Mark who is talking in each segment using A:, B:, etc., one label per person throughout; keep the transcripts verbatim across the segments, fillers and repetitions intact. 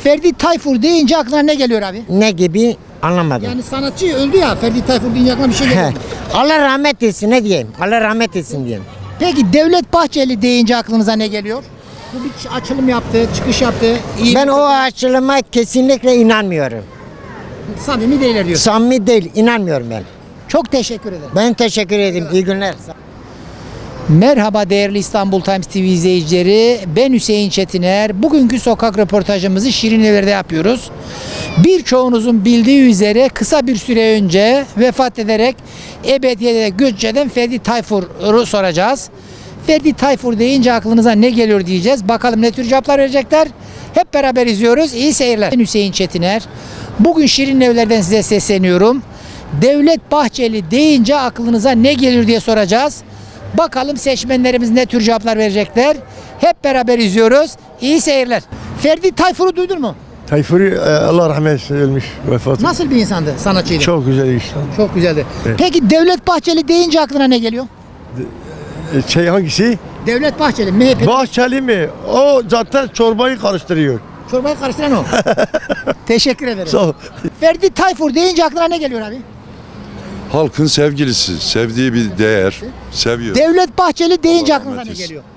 A: Ferdi Tayfur deyince aklına ne geliyor abi?
B: Ne gibi anlamadım.
A: Yani sanatçı öldü ya, Ferdi Tayfur deyince aklına bir şey geliyor.
B: Allah rahmet etsin, ne diyeyim? Allah rahmet etsin diyeyim.
A: Peki Devlet Bahçeli deyince aklınıza ne geliyor? Bu bir açılım yaptı, çıkış yaptı. İyi
B: Ben
A: bir-
B: o açılıma kesinlikle inanmıyorum.
A: Samimi değiller diyor.
B: Samimi değil, inanmıyorum ben.
A: Çok teşekkür ederim.
B: Ben teşekkür ederim. İyi günler.
A: Merhaba değerli İstanbul Times T V izleyicileri. Ben Hüseyin Çetiner. Bugünkü sokak röportajımızı Şirinevler'de yapıyoruz. Birçoğunuzun bildiği üzere kısa bir süre önce vefat ederek ebediyete göç eden Ferdi Tayfur'u soracağız. Ferdi Tayfur deyince aklınıza ne geliyor diyeceğiz. Bakalım ne tür cevaplar verecekler. Hep beraber izliyoruz. İyi seyirler. Ben Hüseyin Çetiner. Bugün Şirinevler'den size sesleniyorum. Devlet Bahçeli deyince aklınıza ne gelir diye soracağız. Bakalım seçmenlerimiz ne tür cevaplar verecekler. Hep beraber izliyoruz. İyi seyirler. Ferdi Tayfur'u duydun mu?
C: Tayfuri e, Allah rahmet eylesin ölmüş vefat.
A: Nasıl bir insandı? Sanatçıydı.
C: Çok güzel insan.
A: Çok güzeldi.
C: Evet.
A: Peki Devlet Bahçeli deyince aklına ne geliyor?
C: E, Şey hangisi?
A: Devlet Bahçeli, M H P.
C: Bahçeli mi? O zaten çorbayı karıştırıyor.
A: Çorbayı karıştıran o. Teşekkür ederim.
C: Sağ ol.
A: Ferdi Tayfur deyince aklına ne geliyor abi?
D: Halkın sevgilisi, sevdiği bir değer, seviyor.
A: Devlet Bahçeli deyince
D: Allah
A: aklınıza
D: rahmet
A: ne
D: eylesin.
A: geliyor?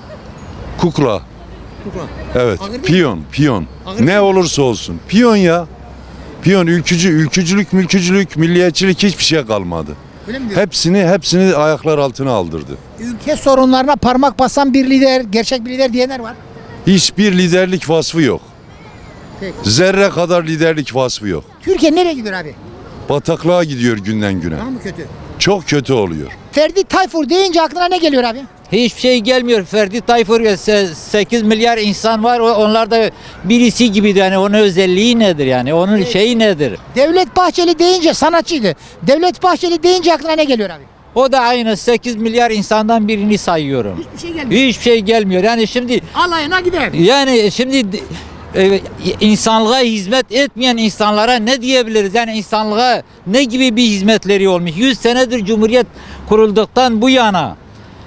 D: Kukla,
A: Kukla.
D: evet,
A: Ağır değil mi?
D: piyon, piyon.
A: Ağır değil
D: Ne
A: mi?
D: olursa olsun, piyon ya. Piyon, ülkücü, ülkücülük, mülkücülük, milliyetçilik hiçbir şey kalmadı.
A: Öyle mi diyorsun?
D: Hepsini, hepsini ayaklar altına aldırdı.
A: Ülke sorunlarına parmak basan bir lider, gerçek bir lider diyenler var.
D: Hiçbir liderlik vasfı yok.
A: Peki.
D: Zerre kadar liderlik vasfı yok.
A: Türkiye nereye gidiyor abi?
D: Bataklığa gidiyor günden güne.
A: Daha mı kötü?
D: Çok kötü oluyor.
A: Ferdi Tayfur deyince aklına ne geliyor abi?
E: Hiçbir şey gelmiyor. Ferdi Tayfur sekiz milyar insan var. O- Onlar da birisi gibi, yani onun özelliği nedir yani? Onun şeyi nedir?
A: Devlet Bahçeli deyince sanatçıydı. Devlet Bahçeli deyince aklına ne geliyor abi?
E: O da aynı sekiz milyar insandan birini sayıyorum.
A: Hiçbir şey gelmiyor.
E: Hiçbir şey gelmiyor. Yani şimdi
A: Alayına gider.
E: yani şimdi e, insanlığa hizmet etmeyen insanlara ne diyebiliriz? Yani insanlığa ne gibi bir hizmetleri olmuş? yüz senedir Cumhuriyet kurulduktan bu yana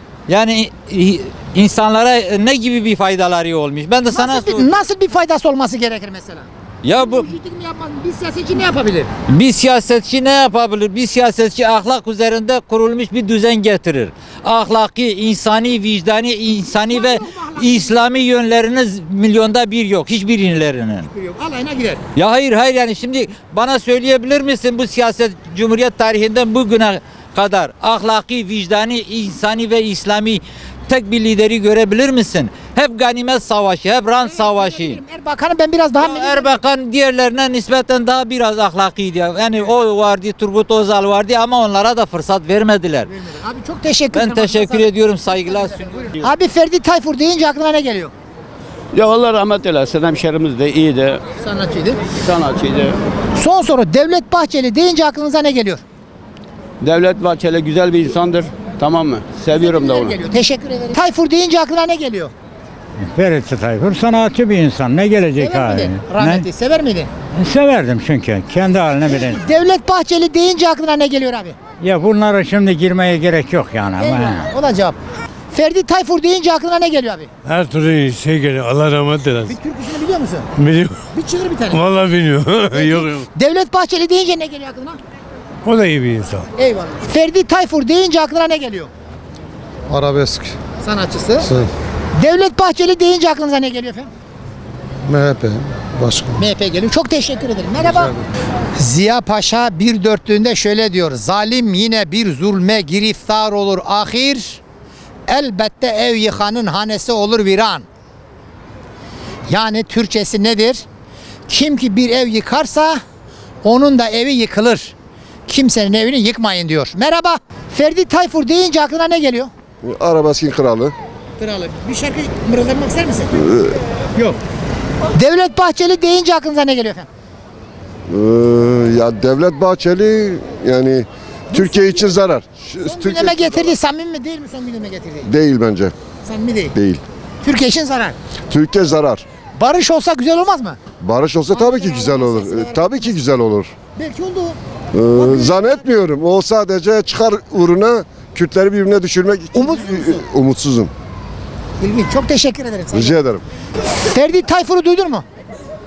E: yani e, insanlara ne gibi bir faydaları olmuş? Ben de sana
A: Nasıl
E: sor-
A: bir, nasıl bir faydası olması gerekir mesela?
E: ya bu
A: Mülkiyetlik mi yapmaz? Bir siyasetçi ne yapabilir?
E: bir siyasetçi ne yapabilir? Bir siyasetçi ahlak üzerinde kurulmuş bir düzen getirir. Ahlaki, insani, vicdani, insani ve İslami yönleriniz milyonda bir yok. Hiçbirinin.
A: Yok, alayına gider.
E: Ya hayır hayır, yani şimdi bana söyleyebilir misin bu siyaset Cumhuriyet tarihinden bugüne kadar ahlaki, vicdani, insani ve İslami tek bir lideri görebilir misin? Hep ganimet savaşı, hep rant savaşı.
A: Erbakan'ı ben biraz daha...
E: Ya Erbakan diğerlerine nispeten daha biraz ahlakiydi. Yani o vardı, Turgut Özal vardı ama onlara da fırsat vermediler.
A: Abi çok teşekkür ederim.
E: Ben teşekkür ediyorum, saygılar sunuyorum.
A: Abi Ferdi Tayfur deyince aklına ne geliyor?
F: Ya Allah rahmet eylesin, hemşerimiz de iyiydi,
A: Sanatçıydı.
F: sanatçıydı.
A: Son soru, Devlet Bahçeli deyince aklınıza ne geliyor?
F: Devlet Bahçeli güzel bir insandır, tamam mı? Seviyorum da onu.
A: Geliyor. Teşekkür ederim. Tayfur deyince aklına ne geliyor?
G: Ferit Tayfur sanatçı bir insan. Ne gelecek
A: Sever
G: hali?
A: miydi? Rahmetli sever miydi?
G: Ne? Severdim çünkü. Kendi haline bile.
A: Devlet Bahçeli deyince aklına ne geliyor abi?
G: Ya bunlara şimdi girmeye gerek yok yani. Ama.
A: Eyvallah. O da cevap. Ferdi Tayfur deyince aklına ne geliyor abi?
C: Her türlü şey geliyor. Allah rahmet
A: Bir
C: eylesin.
A: türküsünü biliyor musun?
C: Biliyorum.
A: Bir çığır bir tane.
C: Vallahi bilmiyorum. yok yok.
A: Devlet Bahçeli deyince ne geliyor aklına?
C: O da iyi bir insan.
A: Eyvallah. Ferdi Tayfur deyince aklına ne geliyor?
H: Arabesk,
A: Sanatçısı. Devlet Bahçeli deyince aklınıza ne geliyor efendim?
H: M H P, başkan.
A: M H P geliyor. Çok teşekkür ederim. Merhaba. Ziya Paşa bir dörtlüğünde şöyle diyor. Zalim yine bir zulme giriftar olur ahir. Elbette ev yıkanın hanesi olur viran. Yani Türkçesi nedir? Kim ki bir ev yıkarsa onun da evi yıkılır. Kimsenin evini yıkmayın diyor. Merhaba. Ferdi Tayfur deyince aklına ne geliyor?
H: Arabeskin kralı.
A: Kralı. Bir şarkı mırıldanmak ister misin? Yok. Devlet Bahçeli deyince aklınıza ne geliyor efendim?
H: Ee, ya Devlet Bahçeli yani Türkiye için zarar. Şu-
A: Son
H: Türkiye
A: gündeme getirdiği samimi mi değil mi son gündeme getirdiği?
H: değil bence.
A: Samimi değil.
H: Değil.
A: Türkiye için zarar.
H: Türkiye zarar.
A: Barış olsa güzel olmaz mı?
H: Barış olsa tabii ki güzel olur. Ee, tabii ki güzel olur.
A: Belki oldu.
H: Ee, zannetmiyorum. O sadece çıkar uğruna Kürtleri birbirine düşürmek için.
A: Umutsuz musun?
H: Umutsuzum.
A: İlginç. Çok teşekkür ederim. Saygılar.
H: Rica ederim.
A: Ferdi Tayfur'u duydun mu?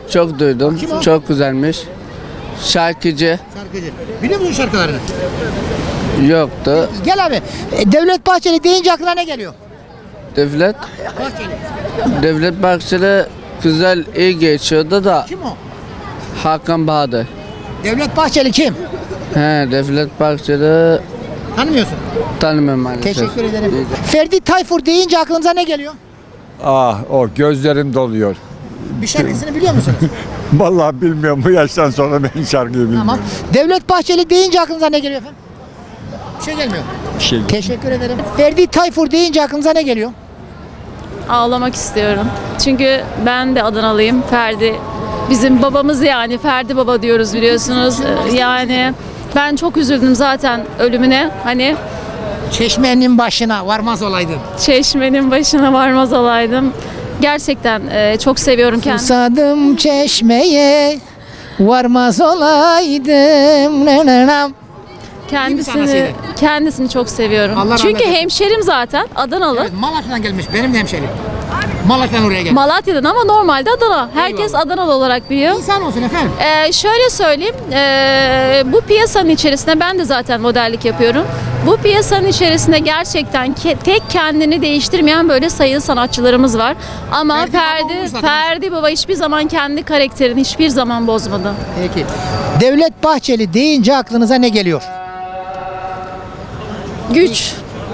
I: Çok duydum.
A: Kim o?
I: Çok güzelmiş. Şarkıcı
A: Şarkıcı. Biliyor musun şarkılarını?
I: yoktu.
A: Gel abi. E, Devlet Bahçeli deyince aklına ne geliyor?
I: Devlet
A: Bahçeli.
I: Devlet Bahçeli güzel iyi geçiyordu da
A: Kim o?
I: Hakan Bahadır.
A: Devlet Bahçeli kim?
I: He, Devlet Bahçeli
A: Tanımıyorsun.
I: tanımıyorum maalesef.
A: Teşekkür ederim. Ferdi Tayfur deyince aklınıza ne geliyor?
D: Ah o gözlerim doluyor.
A: Bir şarkısını biliyor musunuz?
D: Vallahi bilmiyorum bu yaştan sonra ben şarkıyı bilmiyorum.
A: Tamam. Devlet Bahçeli deyince aklınıza ne geliyor efendim? Bir şey gelmiyor.
D: Bir şey
A: Teşekkür ederim. Ferdi Tayfur deyince aklınıza ne geliyor?
J: Ağlamak istiyorum. Çünkü ben de Adanalıyım. Ferdi bizim babamız, yani Ferdi baba diyoruz biliyorsunuz. Ee, Yani ben çok üzüldüm zaten ölümüne. Hani
A: Çeşmenin başına varmaz olaydı.
J: çeşmenin başına varmaz olaydım. Gerçekten e, çok seviyorum kendisini.
A: Susadım çeşmeye varmaz olaydım. Ne ne ne.
J: Kendisini
A: sanatçıydı.
J: kendisini çok seviyorum.
A: Allah rahmet
J: Çünkü
A: eylesin.
J: hemşerim zaten Adanalı.
A: Evet, Malatya'dan gelmiş. Benim de hemşerim. Malatya'dan oraya gelmiş.
J: Malatya'dan ama normalde Adana. Herkes
A: Eyvallah.
J: Adanalı olarak biliyor.
A: İnsan olsun efendim.
J: Ee, şöyle söyleyeyim, ee, bu piyasanın içerisinde ben de zaten modellik yapıyorum. Bu piyasanın içerisinde gerçekten ke- tek kendini değiştirmeyen böyle sayılı sanatçılarımız var. Ama
A: Ferdi Baba
J: Ferdi,
A: olmuş zaten.
J: Ferdi Baba hiçbir zaman kendi karakterini hiçbir zaman bozmadı.
A: Peki. Devlet Bahçeli deyince aklınıza ne geliyor?
J: Güç.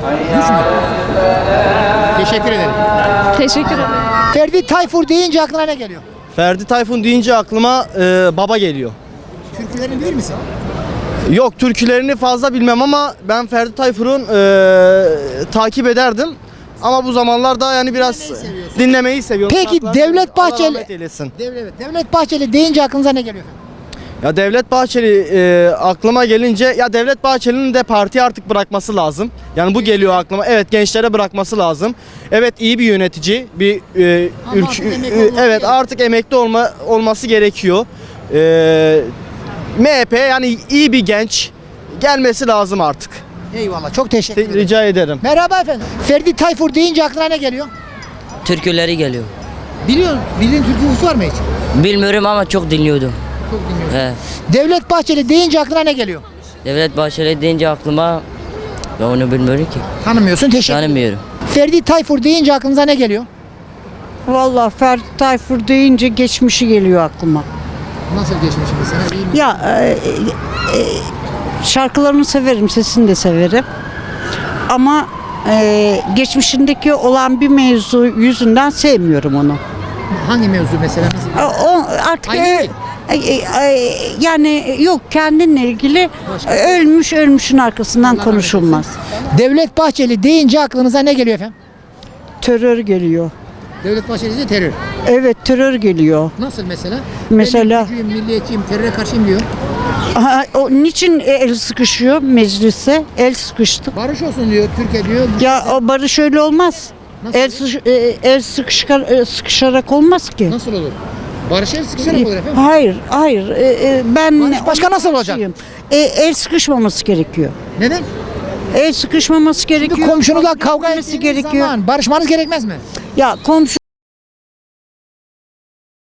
A: Teşekkür ederim.
J: Teşekkür ederim.
A: Ferdi Tayfur deyince aklına ne geliyor?
K: Ferdi Tayfun deyince aklıma e, baba geliyor.
A: Türkülerini bilir misin?
K: Yok, türkülerini fazla bilmem ama ben Ferdi Tayfur'un e, takip ederdim. Ama bu zamanlarda yani biraz dinlemeyi seviyorum.
A: Peki,
K: Şarkılar
A: Devlet
K: seviyorum. Allah
A: Bahçeli-
K: rahmet eylesin.
A: Devlet, Devlet Bahçeli deyince aklınıza ne geliyor?
K: Ya Devlet Bahçeli e, aklıma gelince ya Devlet Bahçeli'nin de partiyi artık bırakması lazım. Yani bu geliyor aklıma. Evet, gençlere bırakması lazım. Evet, iyi bir yönetici, bir e,
A: Ama
K: ülke
A: artık emekli
K: e,
A: olması
K: evet
A: gerekiyor.
K: artık emekli olma olması gerekiyor. E, M H P yani iyi bir genç gelmesi lazım artık.
A: Eyvallah. Çok teşekkür ederim.
K: Rica ederim.
A: Merhaba efendim. Ferdi Tayfur deyince aklına ne geliyor?
L: Türküleri geliyor.
A: Biliyor, bildiğin türkü var mı hiç?
L: Bilmiyorum ama çok dinliyordum.
A: Çok dinliyorum.
L: He.
A: Devlet Bahçeli deyince aklına ne geliyor?
L: Devlet Bahçeli deyince aklıma ben onu bilmiyorum ki.
A: Tanımıyorsun. Teşekkür ederim.
L: Tanımıyorum.
A: Ferdi Tayfur deyince aklınıza ne geliyor?
M: Vallahi Ferdi Tayfur deyince geçmişi geliyor aklıma.
A: Nasıl geçmiş mesela? İyi mi?
M: Ya e, e, şarkılarını severim, sesini de severim. Ama e, geçmişindeki olan bir mevzu yüzünden sevmiyorum onu.
A: Hangi mevzu mesela? Nasıl?
M: O, o artık
A: Aynı
M: e,
A: değil.
M: e, e, yani yok, kendinle ilgili ölmüş ölmüşün arkasından
A: Allah rahmet
M: konuşulmaz.
A: Devlet Bahçeli deyince aklınıza ne geliyor efendim?
M: Terör geliyor.
A: Devlet Bahçeli deyince terör.
M: Evet, terör geliyor.
A: Nasıl mesela?
M: Mesela-
A: Ben ülkücüyüm, milliyetçiyim, teröre karşıyım diyor.
M: Aha, o niçin el sıkışıyor meclise? El sıkıştık.
A: Barış olsun diyor, Türkiye diyor.
M: Ya o barış öyle olmaz.
A: Nasıl
M: El,
A: olur?
M: sıkış- e, el sıkışkar, e, sıkışarak olmaz ki.
A: Nasıl olur? Barış el sıkışarak olur efendim.
M: Hayır, hayır. E, e, ben
A: Barış başka nasıl olacak?
M: E, el sıkışmaması gerekiyor.
A: Neden?
M: El sıkışmaması gerekiyor.
A: Bir komşunuzla kavga
M: etmesi
A: ettiğiniz
M: gerekiyor.
A: zaman barışmanız gerekmez mi?
M: Ya komşu